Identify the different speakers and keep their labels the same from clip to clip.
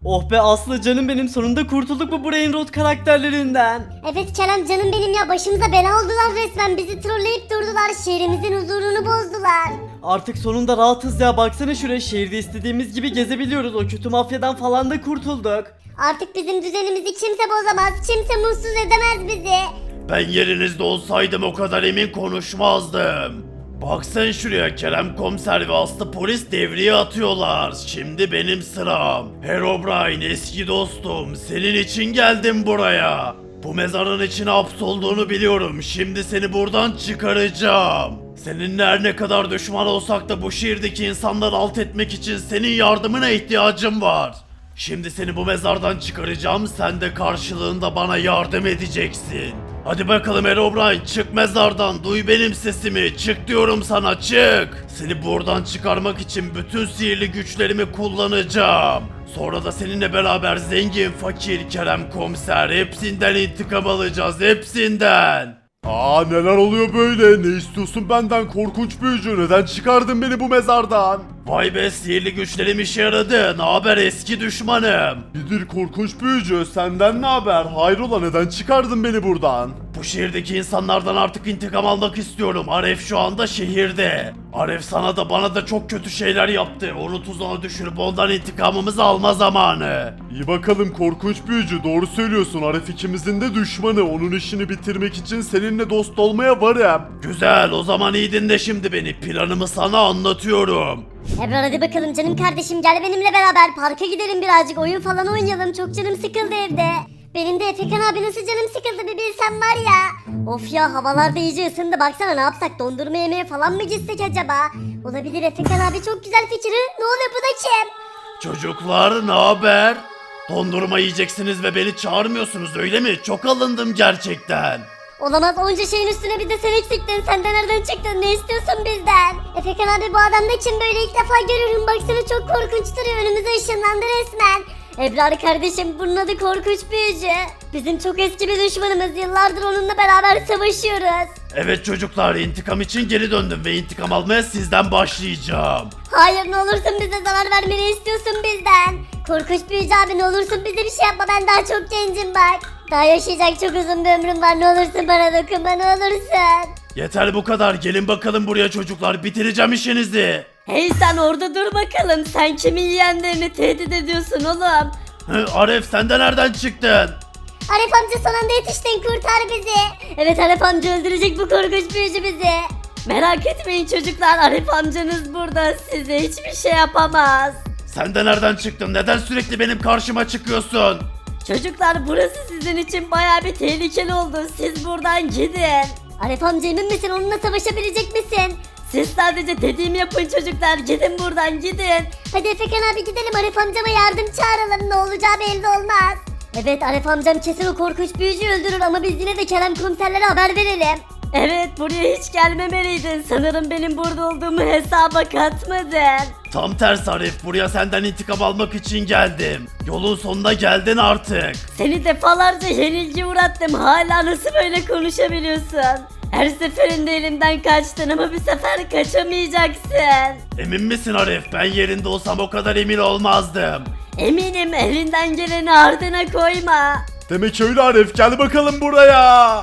Speaker 1: Oh be Aslı canım benim, sonunda kurtulduk bu Brain Rot karakterlerinden.
Speaker 2: Evet Kerem canım benim ya, başımıza bela oldular resmen, bizi trolleyip durdular, şehrimizin huzurunu bozdular.
Speaker 1: Artık sonunda rahatız ya, baksana şuraya, şehirde istediğimiz gibi gezebiliyoruz, o kötü mafyadan falan da kurtulduk.
Speaker 2: Artık bizim düzenimizi kimse bozamaz, kimse mutsuz edemez bizi.
Speaker 3: Ben yerinizde olsaydım o kadar emin konuşmazdım. Bak sen şuraya, Kerem komiser ve Aslı polis devriye atıyorlar. Şimdi benim sıram. Herobrine eski dostum, senin için geldim buraya. Bu mezarın içine hapsolduğunu biliyorum. Şimdi seni buradan çıkaracağım. Seninle her ne kadar düşman olsak da bu şehirdeki insanları alt etmek için senin yardımına ihtiyacım var. Şimdi seni bu mezardan çıkaracağım, sen de karşılığında bana yardım edeceksin. Hadi bakalım Herobrine, çık mezardan, duy benim sesimi, çık diyorum sana, çık. Seni buradan çıkarmak için bütün sihirli güçlerimi kullanacağım. Sonra da seninle beraber zengin, fakir, Kerem komiser hepsinden intikam alacağız, hepsinden.
Speaker 4: Neler oluyor böyle? Ne istiyorsun benden korkunç büyücü? Neden çıkardın beni bu mezardan?
Speaker 3: Vay be, sihirli güçlerim işe yaradı. Ne haber eski düşmanım?
Speaker 4: İyidir korkunç büyücü, senden ne haber? Hayrola, neden çıkardın beni buradan?
Speaker 3: Bu şehirdeki insanlardan artık intikam almak istiyorum. Aref şu anda şehirde. Aref sana da bana da çok kötü şeyler yaptı. Onu tuzağa düşürüp ondan intikamımızı alma zamanı.
Speaker 4: İyi bakalım korkunç büyücü, doğru söylüyorsun. Aref ikimizin de düşmanı. Onun işini bitirmek için seninle dost olmaya varım.
Speaker 3: Güzel, o zaman iyi dinle şimdi beni. Planımı sana anlatıyorum.
Speaker 2: Ebrar hadi bakalım canım kardeşim, gel benimle beraber parka gidelim, birazcık oyun falan oynayalım, çok canım sıkıldı evde. Benim de Efekan abi nasıl canım sıkıldı bir bilsen var ya. Of ya, havalar da iyice ısındı, baksana, ne yapsak, dondurma yemeye falan mı gitsek acaba? Olabilir Efekan abi, çok güzel fikir. Ne oluyor, bu da kim?
Speaker 3: Çocuklar ne haber? Dondurma yiyeceksiniz ve beni çağırmıyorsunuz öyle mi? Çok alındım gerçekten.
Speaker 2: Olamaz, onca şeyin üstüne bir de sen eksiktin, sen de nereden çıktın, ne istiyorsun bizden? Efekan abi bu adam da kim böyle, ilk defa görüyorum, baksana çok korkunç duruyor, önümüze ışınlandı resmen. Ebrar kardeşim, bunun adı korkunç büyücü. Bizim çok eski bir düşmanımız, yıllardır onunla beraber savaşıyoruz.
Speaker 3: Evet çocuklar, intikam için geri döndüm ve intikam almaya sizden başlayacağım.
Speaker 2: Hayır, ne olursun bize zarar vermeni istiyorsun bizden. Korkunç büyücü abi, ne olursun bize bir şey yapma, ben daha çok gencim bak. Daha yaşayacak çok uzun bir ömrüm var, ne olursun bana dokunma, ne olursun.
Speaker 3: Yeter bu kadar, gelin bakalım buraya çocuklar, bitireceğim işinizi.
Speaker 5: Hey sen orada dur bakalım. Sen kimin yeğenlerini tehdit ediyorsun oğlum?
Speaker 3: Aref sen de nereden çıktın?
Speaker 2: Arif amca son anda yetiştin, kurtar bizi. Evet, Arif amca öldürecek bu korkunç büyücü bizi.
Speaker 5: Merak etmeyin çocuklar, Arif amcanız burada. Size hiçbir şey yapamaz.
Speaker 3: Sen de nereden çıktın? Neden sürekli benim karşıma çıkıyorsun?
Speaker 5: Çocuklar burası sizin için baya bir tehlikeli oldu. Siz buradan gidin.
Speaker 2: Arif amca emin misin, onunla savaşabilecek misin?
Speaker 5: Siz sadece dediğimi yapın çocuklar. Gidin buradan gidin.
Speaker 2: Hadi Efekan abi gidelim, Arif amcama yardım çağıralım, ne olacağı belli olmaz. Evet, Arif amcam kesin o korkunç büyücüyü öldürür ama biz yine de Kerem komiserlere haber verelim.
Speaker 5: Evet, buraya hiç gelmemeliydin. Sanırım benim burada olduğumu hesaba katmadın.
Speaker 3: Tam tersi Arif, buraya senden intikam almak için geldim. Yolun sonuna geldin artık.
Speaker 5: Seni defalarca yenilgi uğrattım. Hala nasıl böyle konuşabiliyorsun? Her seferinde elimden kaçtın ama bir sefer kaçamayacaksın.
Speaker 3: Emin misin Arif? Ben yerinde olsam o kadar emin olmazdım.
Speaker 5: Eminim, elinden geleni ardına koyma.
Speaker 4: Demek öyle Aref, gel bakalım buraya.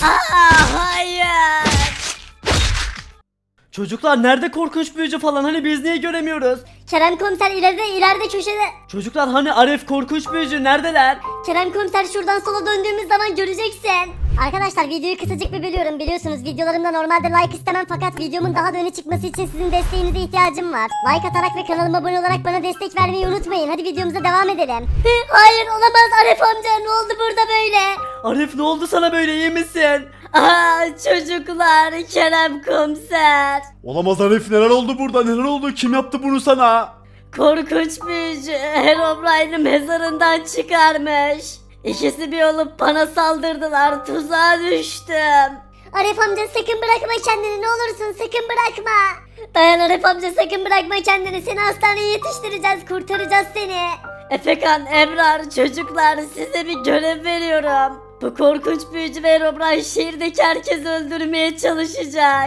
Speaker 5: Hayır.
Speaker 1: Çocuklar nerede korkunç büyücü falan, hani biz niye göremiyoruz?
Speaker 2: Kerem komiser ileride köşede.
Speaker 1: Çocuklar hani Aref, korkunç büyücü neredeler?
Speaker 2: Kerem komiser şuradan sola döndüğümüz zaman göreceksin. Arkadaşlar videoyu kısacık bir bölüyorum, biliyorsunuz videolarımda normalde like istemem fakat videomun daha da öne çıkması için sizin desteğinize ihtiyacım var. Like atarak ve kanalıma abone olarak bana destek vermeyi unutmayın, hadi videomuza devam edelim. Hayır olamaz, Arif amca ne oldu burada böyle?
Speaker 1: Aref ne oldu sana böyle, iyi misin?
Speaker 5: Çocuklar, Kerem komiser.
Speaker 4: Olamaz Aref, neler oldu burada, neler oldu, kim yaptı bunu sana?
Speaker 5: Korkunç büyücü Herobrine'i mezarından çıkarmış. İkisi bir olup bana saldırdılar. Tuzağa düştüm.
Speaker 2: Arif amca sakın bırakma kendini, ne olursun sakın bırakma. Dayan Arif amca, sakın bırakma kendini, seni hastaneye yetiştireceğiz, kurtaracağız seni.
Speaker 5: Efekan, Ebrar, çocuklar size bir görev veriyorum. Bu korkunç büyücü ve Herobrine şehirdeki herkesi öldürmeye çalışacak.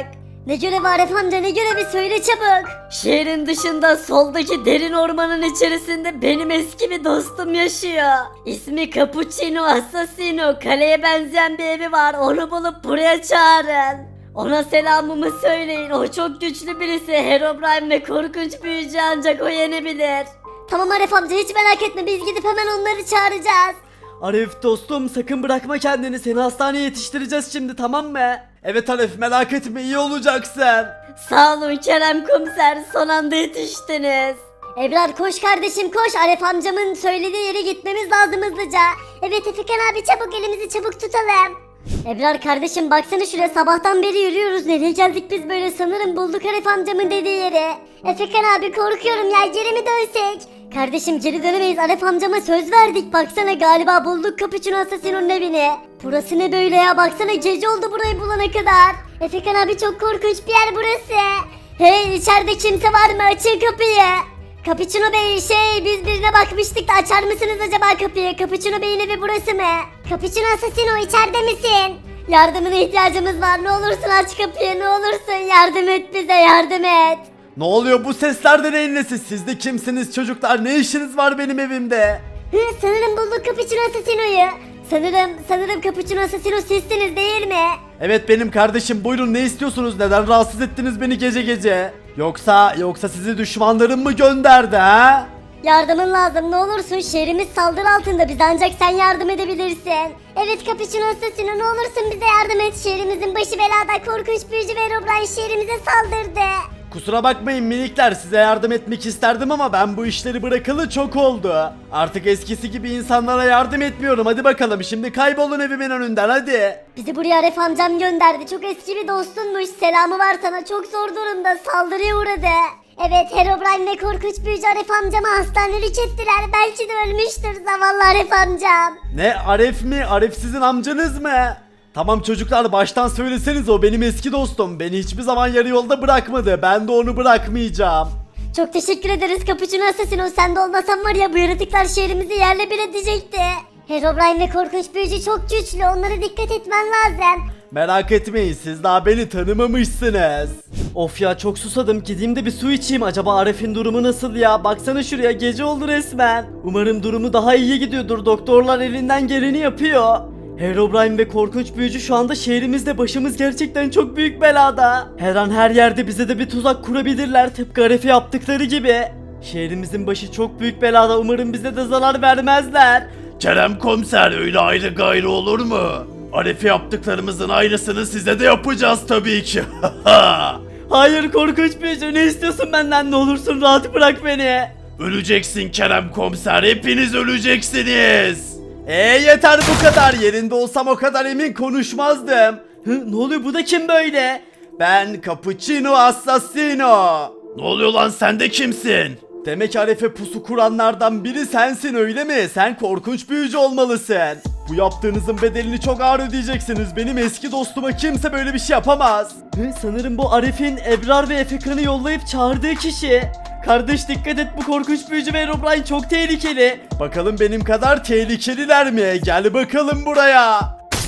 Speaker 2: Ne görevi Aref amca, ne görevi, söyle çabuk.
Speaker 5: Şehrin dışında soldaki derin ormanın içerisinde benim eski bir dostum yaşıyor. İsmi Cappuccino Assassino. Kaleye benzeyen bir evi var. Onu bulup buraya çağırın. Ona selamımı söyleyin. O çok güçlü birisi. Herobrine ve korkunç büyücü ancak o yenebilir.
Speaker 2: Tamam Aref amca, hiç merak etme, biz gidip hemen onları çağıracağız.
Speaker 1: Arif dostum sakın bırakma kendini, seni hastaneye yetiştireceğiz şimdi, tamam mı? Evet Arif, merak etme, iyi olacaksın.
Speaker 5: Sağ olun Kerem komiser. Son anda yetiştiniz.
Speaker 2: Ebrar koş kardeşim koş, Aref amcamın söylediği yere gitmemiz lazım hızlıca. Evet Efekan abi, çabuk elimizi çabuk tutalım. Ebrar kardeşim baksana şuraya, sabahtan beri yürüyoruz, nereye geldik biz böyle, sanırım bulduk Aref amcamın dediği yeri. Efekan abi korkuyorum ya, geri mi dönsek? Kardeşim geri dönemeyiz, Aref amcama söz verdik, baksana galiba bulduk Cappuccino Assassino'nun evini. Burası ne böyle ya, baksana gece oldu burayı bulana kadar. Efekan abi çok korkunç bir yer burası. Hey, içeride kimse var mı, açın kapıyı. Cappuccino Bey, biz birine bakmıştık da açar mısınız acaba kapıyı? Cappuccino Bey'in evi burası mı? Cappuccino Assassino, içeride misin? Yardımına ihtiyacımız var, ne olursun aç kapıyı, ne olursun yardım et bize, yardım et.
Speaker 1: Ne oluyor, bu sesler de neyin nesi? Siz de kimsiniz çocuklar, ne işiniz var benim evimde?
Speaker 2: Sanırım bulduk Cappuccino Assassino'yu. Sanırım Cappuccino Assassino sizsiniz değil mi?
Speaker 1: Evet benim kardeşim, buyurun, ne istiyorsunuz, neden rahatsız ettiniz beni gece gece? Yoksa sizi düşmanlarım mı gönderdi ha?
Speaker 2: Yardımın lazım, ne olursun, şehrimiz saldırı altında, bize ancak sen yardım edebilirsin. Evet Cappuccino Assassino, ne olursun bize yardım et, şehrimizin başı belada, korkunç büyücü ve Herobrine şehrimize saldırdı.
Speaker 1: Kusura bakmayın minikler, size yardım etmek isterdim ama ben bu işleri bırakalı çok oldu. Artık eskisi gibi insanlara yardım etmiyorum, hadi bakalım şimdi kaybolun evimin önünden hadi.
Speaker 2: Bizi buraya Aref amcam gönderdi, çok eski bir dostunmuş, selamı var sana, çok zor durumda, saldırıya uğradı. Evet Herobrine ve korkunç büyücü Aref amcamı hastanelik ettiler, belki de ölmüştür zavallı Aref amcam.
Speaker 1: Ne, Aref mi? Aref sizin amcanız mı? Tamam çocuklar, baştan söyleseniz, o benim eski dostum, beni hiçbir zaman yarı yolda bırakmadı, ben de onu bırakmayacağım.
Speaker 2: Çok teşekkür ederiz Cappuccino Assassino, sen de olmasan var ya bu yaratıklar şehrimizi yerle bir edecekti. Herobrine ve korkunç büyücü çok güçlü, onlara dikkat etmen lazım.
Speaker 1: Merak etmeyin, siz daha beni tanımamışsınız. Of ya, çok susadım, gideyim de bir su içeyim. Acaba Arif'in durumu nasıl ya? Baksana şuraya, gece oldu resmen. Umarım durumu daha iyi gidiyordur, doktorlar elinden geleni yapıyor. Herobrine ve korkunç büyücü şu anda şehrimizde, başımız gerçekten çok büyük belada. Her an her yerde bize de bir tuzak kurabilirler, tıpkı Arif'e yaptıkları gibi. Şehrimizin başı çok büyük belada, umarım bize de zarar vermezler.
Speaker 3: Kerem komiser, öyle ayrı gayrı olur mu? Arif'e yaptıklarımızın aynısını size de yapacağız tabii ki.
Speaker 1: Hayır korkunç büyücü, ne istiyorsun benden, ne olursun rahat bırak beni.
Speaker 3: Öleceksin Kerem komiser, hepiniz öleceksiniz.
Speaker 1: Yeter bu kadar, yerinde olsam o kadar emin konuşmazdım. Ne oluyor, bu da kim böyle? Ben Cappuccino Assassino.
Speaker 3: Ne oluyor lan, sen de kimsin?
Speaker 1: Demek Arif'e pusu kuranlardan biri sensin öyle mi? Sen korkunç büyücü olmalısın. Bu yaptığınızın bedelini çok ağır ödeyeceksiniz. Benim eski dostuma kimse böyle bir şey yapamaz. Sanırım bu Arif'in Ebrar ve Efekan'ı yollayıp çağırdığı kişi. Kardeş dikkat et, bu korkunç büyücü ve Herobrine çok tehlikeli. Bakalım benim kadar tehlikeliler mi? Gel bakalım buraya.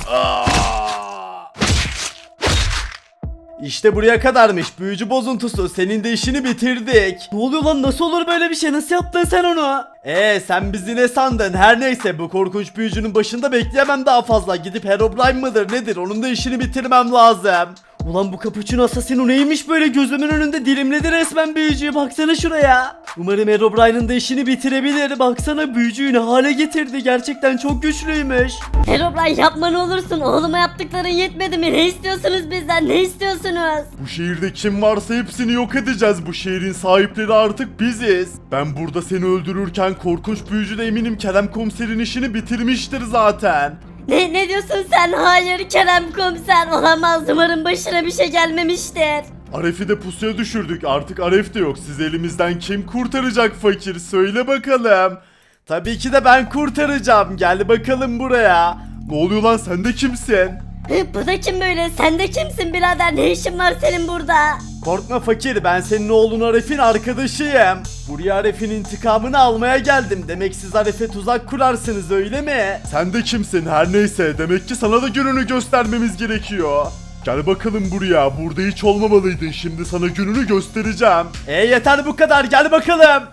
Speaker 1: İşte buraya kadarmış büyücü bozuntusu, senin de işini bitirdik. Ne oluyor lan, nasıl olur böyle bir şey, nasıl yaptın sen onu? Sen bizi ne sandın, her neyse bu korkunç büyücünün başında bekleyemem daha fazla, gidip Herobrine mıdır nedir onun da işini bitirmem lazım. Ulan bu Cappuccino Assassino neymiş böyle, gözümün önünde dilimledi resmen büyücüyü, baksana şuraya. Umarım Herobrine'ın da işini bitirebilir, baksana büyücüyü ne hale getirdi, gerçekten çok güçlüymüş.
Speaker 5: Herobrine yapma ne olursun, oğluma yaptıkların yetmedi mi? Ne istiyorsunuz bizden, ne istiyorsunuz?
Speaker 4: Bu şehirde kim varsa hepsini yok edeceğiz. Bu şehrin sahipleri artık biziz. Ben burada seni öldürürken korkunç büyücü de eminim Kerem komiserin işini bitirmiştir zaten.
Speaker 5: Ne diyorsun sen? Hayır Kerem komiser, olamaz, umarım başına bir şey gelmemiştir.
Speaker 4: Aref'i de pusuya düşürdük. Artık Aref de yok. Siz elimizden kim kurtaracak fakir? Söyle bakalım.
Speaker 1: Tabii ki de ben kurtaracağım, gel bakalım buraya.
Speaker 4: Ne oluyor lan, sen de kimsin?
Speaker 5: Bu da kim böyle? Sen de kimsin birader? Ne işin var senin burada?
Speaker 1: Korkma fakir, ben senin oğlun Arif'in arkadaşıyım. Buraya Arif'in intikamını almaya geldim. Demek siz Arif'e tuzak kurarsınız öyle mi?
Speaker 4: Sen de kimsin? Her neyse, demek ki sana da gününü göstermemiz gerekiyor. Gel bakalım buraya. Burada hiç olmamalıydın. Şimdi sana gününü göstereceğim.
Speaker 1: Yeter bu kadar, gel bakalım.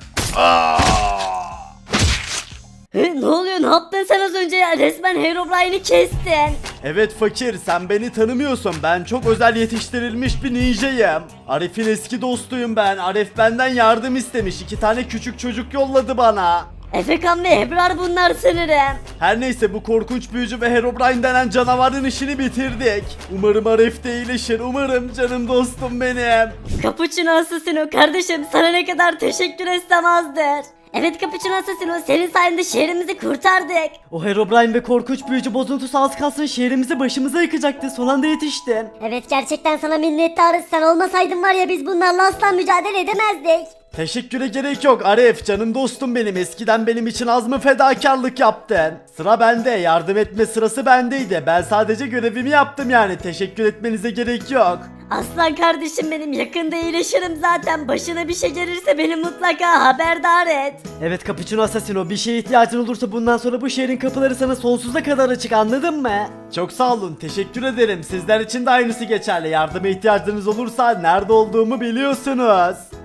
Speaker 5: Ne oluyor, ne yaptın sen az önce ya? Resmen Herobrine'i kestin.
Speaker 1: Evet fakir, sen beni tanımıyorsun. Ben çok özel yetiştirilmiş bir ninjayım. Arif'in eski dostuyum ben. Arif benden yardım istemiş. 2 tane küçük çocuk yolladı bana.
Speaker 5: Efekan ve Ebrar bunlar sanırım.
Speaker 1: Her neyse, bu korkunç büyücü ve Herobrine denen canavarın işini bitirdik. Umarım Arif de iyileşir. Umarım, canım dostum benim.
Speaker 5: Capuchino Assassino kardeşim, sana ne kadar teşekkür etsem azdır. Evet Capuchino Assassino, senin sayende şehrimizi kurtardık.
Speaker 1: O Herobrine ve korkunç büyücü bozuntusu az kalsın şehrimizi başımıza yıkacaktı. Son anda yetiştin.
Speaker 2: Evet, gerçekten sana minnettarız. Sen olmasaydın var ya, biz bunlarla asla mücadele edemezdik.
Speaker 1: Teşekküre gerek yok Arif, canım dostum benim. Eskiden benim için az mı fedakarlık yaptın? Sıra bende, yardım etme sırası bendeydi. Ben sadece görevimi yaptım yani. Teşekkür etmenize gerek yok.
Speaker 5: Aslan kardeşim benim, yakında iyileşirim zaten. Başına bir şey gelirse beni mutlaka haberdar et.
Speaker 1: Evet Capuchino Assassino, bir şeye ihtiyacın olursa bundan sonra bu şehrin kapıları sana sonsuza kadar açık, anladın mı? Çok sağ olun, teşekkür ederim. Sizler için de aynısı geçerli. Yardıma ihtiyacınız olursa nerede olduğumu biliyorsunuz.